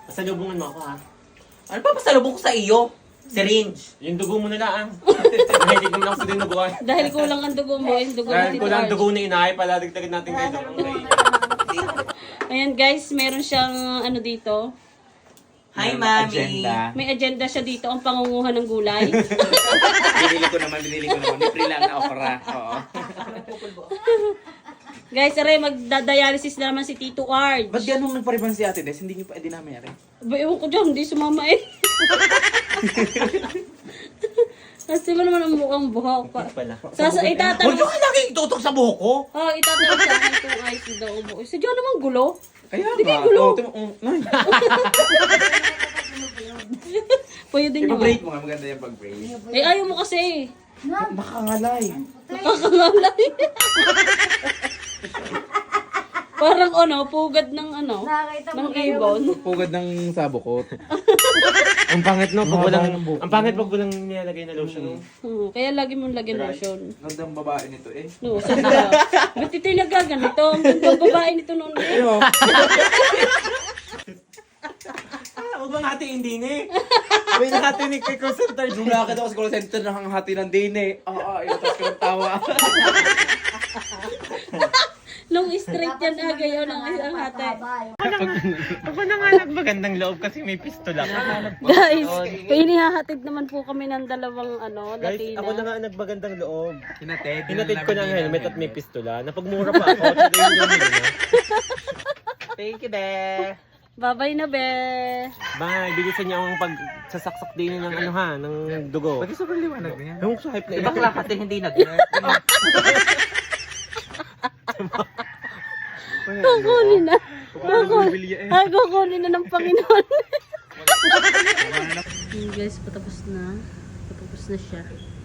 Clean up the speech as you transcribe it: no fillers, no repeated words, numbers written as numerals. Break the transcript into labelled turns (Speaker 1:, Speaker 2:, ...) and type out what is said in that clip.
Speaker 1: Pasalubungan mo ako ha.
Speaker 2: Ano pa pasalubong ko sa iyo? Syringe.
Speaker 1: Yung dugo mo na lang. Hindi ko na ako sa dinuguan.
Speaker 3: Dahil kulang ang dugo mo, yung dugo
Speaker 1: Dahil
Speaker 3: ni
Speaker 1: ko
Speaker 3: Tito
Speaker 1: lang
Speaker 3: Arj.
Speaker 1: dugo na inay, paladagdagan natin kayo.
Speaker 3: Ayan guys, meron siyang ano dito.
Speaker 2: Hi, Mami.
Speaker 4: Agenda.
Speaker 3: May agenda siya dito, ang pangunguhan ng gulay.
Speaker 4: Binili ko naman. Libre lang na okra. Oo.
Speaker 3: Guys, aray, magdadialysis na naman si Tito Arj.
Speaker 4: Ba't ganun nagpariban si Ate Des? Hindi niyo pa dinami rin.
Speaker 3: Ba, ewan ko dyan, hindi sumama eh. Kasi mo naman ang mukhang buhok pa.
Speaker 1: Pala.
Speaker 3: Huwag
Speaker 2: Huwag
Speaker 3: itatanong.
Speaker 2: nyo ka lagi itutok sa buhok ko.
Speaker 3: Oh, itatanong sa akin kung ayos daw ang buhok. Sadya naman gulo.
Speaker 4: Kaya
Speaker 3: Hindi kayo gulo.
Speaker 4: Nay.
Speaker 3: Pwede nyo nga.
Speaker 4: Ipa-braid mo nga. Maganda yung pag-braid.
Speaker 3: Eh, ayaw mo kasi.
Speaker 4: Nakangalay.
Speaker 3: Nakakangalay. Parang ano, pugad ng ano, ng ibon.
Speaker 4: Pugad ng sabukot.
Speaker 1: Ang pangit no, pag
Speaker 4: Mahaba
Speaker 1: walang,
Speaker 4: ng buhok.
Speaker 1: ang pangit pag walang nilalagay na lotion.
Speaker 3: Kaya lagi mong lagyan lotion.
Speaker 4: Gandang babae nito eh.
Speaker 3: No, sana ka. Ba't ito'y nagaganito? Ang gandang babae nito noon eh.
Speaker 4: Ayun.
Speaker 1: Huwag bang hati hindi ni. May nahati ni kay call center.
Speaker 4: Nung nakakita ko sa call center nakangahati ng din eh. Iwatas ko ng tawa.
Speaker 3: Nung straight yan agay yun ang hati.
Speaker 1: Ako na nga nagmagandang loob kasi may pistola ka.
Speaker 3: Guys, inihahatid naman po kami ng dalawang ano,
Speaker 1: Guys,
Speaker 3: Latina.
Speaker 1: ako na nga nagmagandang loob.
Speaker 4: Hinatid.
Speaker 1: Hinatid ko ng helmet at may pistola. Napagmura pa ako. Today yung gawin na.
Speaker 4: Thank you, be.
Speaker 3: Babay na be.
Speaker 1: Bye, bilisan niyo ang pagsasaksak din ng ano ha, ng dugo.
Speaker 4: Pati sobrang liwanag na yan.
Speaker 1: Yung sa hype na
Speaker 4: Diba
Speaker 1: ina.
Speaker 4: klakate hindi nag
Speaker 3: Kukunin na. Kukunin na ng Panginoon. Guys, patapos na. Patapos na siya.